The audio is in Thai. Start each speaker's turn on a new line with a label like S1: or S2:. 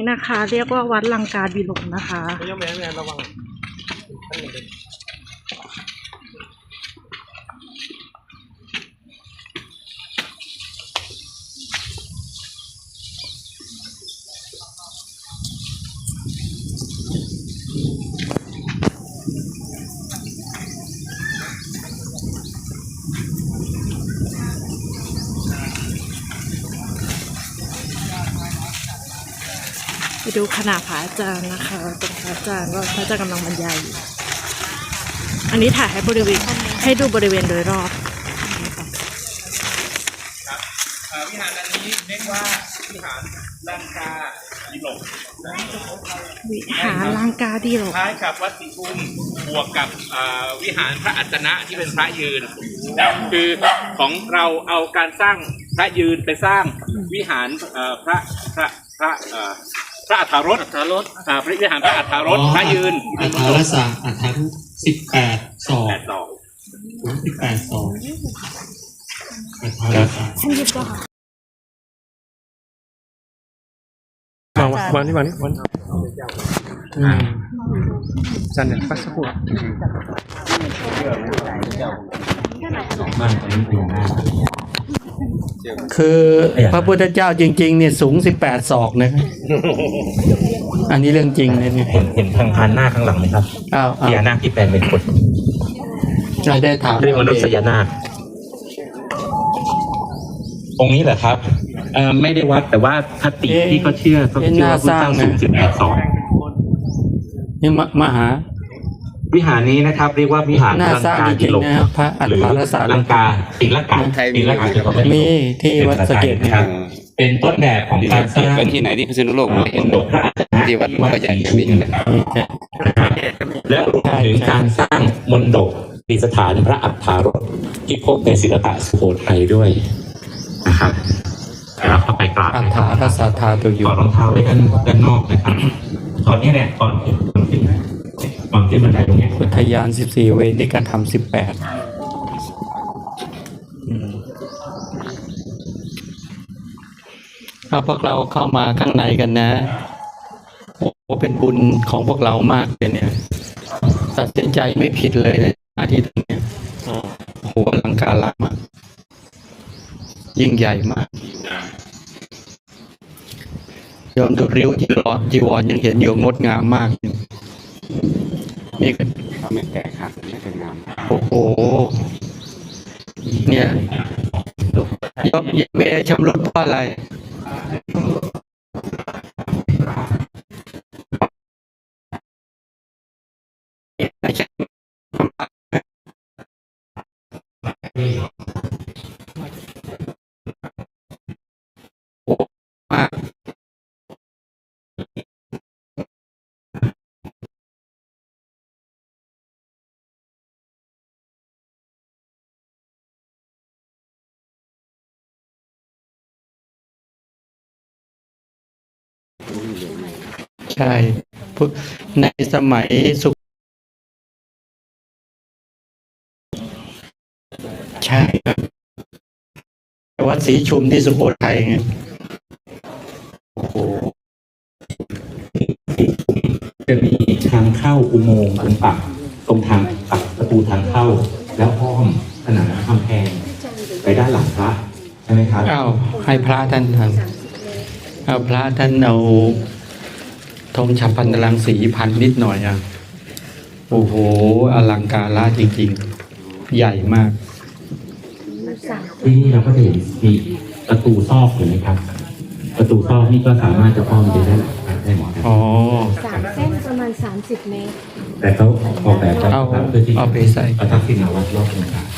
S1: นะคะ เรียกว่าวัดลังกาดิลกนะคะ
S2: ไม่แม่ระวัง
S1: ไปดูขนาดพระอาจารย์นะคะตรงพระอาจารย์ก็พระอาจารย์กำลังบรรยายอยู่อันนี้ถ่ายให้บริเวณให้ดูบริเวณโดยรอบ
S2: ครับวิหารอันนี้เรียกว่าวิหารลังกาดิลก
S1: วิหารลังกาดิลก
S2: คล้ายกับวัดศรีภูมิบวกกับวิหารพระอัจฉนะที่เป็นพระยืนคือของเราเอาการสร้างพระยืนไปสร้างวิหารพระอัฏฐารสพระวิหารพระอัฏฐารสพระยืน
S3: อัฏฐารสะอัฏฐารุ18 ศอก18 ศอกอัฏฐารสะ
S1: ท่านยึดว่า
S4: วันจันเนี่ยพักสักครู่
S3: คือพระพุทธเจ้าจริงๆเนี่ยสูง18 ศอกนะครับอันนี้เรื่องจริงเลยเนี่ย
S5: เห็นทางพานหน้าข้างหลังไหมครับพญานาคที่แปลงเป็นคน
S3: จะได้ถาม
S5: เรื่องมนุษยนาคองค์นี้เหรอครับไม่ได้วัดแต่ว่าคติที่เขาเชื่อว่าพระเจ้าสูง18 ศอก
S3: นี่มหา
S5: วิหารนี้นะครับเรียกว่าวิหารลังกาดิลก
S3: พระอัฏฐารสะ
S5: ลังกาติลกะ
S3: มีที่วัดสะเกษ
S5: นะครับเป็นต้นแบบของการสร้าง
S4: เป็นที่ไหนที่พิษณุโลกเห็นที่วัดพระใหญ่มี
S5: และรวมถึงการสร้างมณฑปดิสถานพระอัฏฐารสที่พบในศิลปะสุโขทัยด้วยนะครับเราเข้าไปกราบ
S3: อัฏฐารสะธาตุอยู่
S5: ถอดรองเท้าไว้ด้านนอกนะครับตอนนี้เนี่ยตอนที่บันไดตรงนี้
S3: อุทยาน14 เวรในการทำ18เอาพวกเราเข้ามาข้างในกันนะโอ้เป็นบุญของพวกเรามากเลยเนี่ยตัดสินใจไม่ผิดเลยนะอาทิตย์นี้โอ้โหอลังการมากยิ่งใหญ่มากยอมดูริ้วจีวรยังเห็นอยู่งดงามมากนี่ก็
S4: ไม่แก่ขาดไม่เป็นงาม
S3: โอ้โหเนี่ยยอมไม่ได้ชำรุดเพราะอะไรใช่ในสมัยสุขใช่วัดศรีชุมที่สุโขทัยไงโอ้โห
S5: จะมีทางเข้าอุโมงค์ตรงทางปักประตูทางเข้าแล้วอ้อมผนังกำแพงไปด้านหลังพระใช่ไหมครับ
S3: ให้พระท่านทำเอาพระท่านเอาธงฉับพันตรังสีพันนิดหน่อยโอ้โหอลังการจริงๆใหญ่มาก
S5: ที่นี่เราก็จะเห็นมีประตูซอกเห็นไหมครับประตูซอกนี่ก็สามารถจะอ้อมไปได้หมด
S3: อ๋อ
S6: 3 เส้นประมาณ30 เมตร
S5: แต่เขาออกแบบ
S3: เอาไปใส่
S5: ประทับทิมวัดรอบตรงกลาง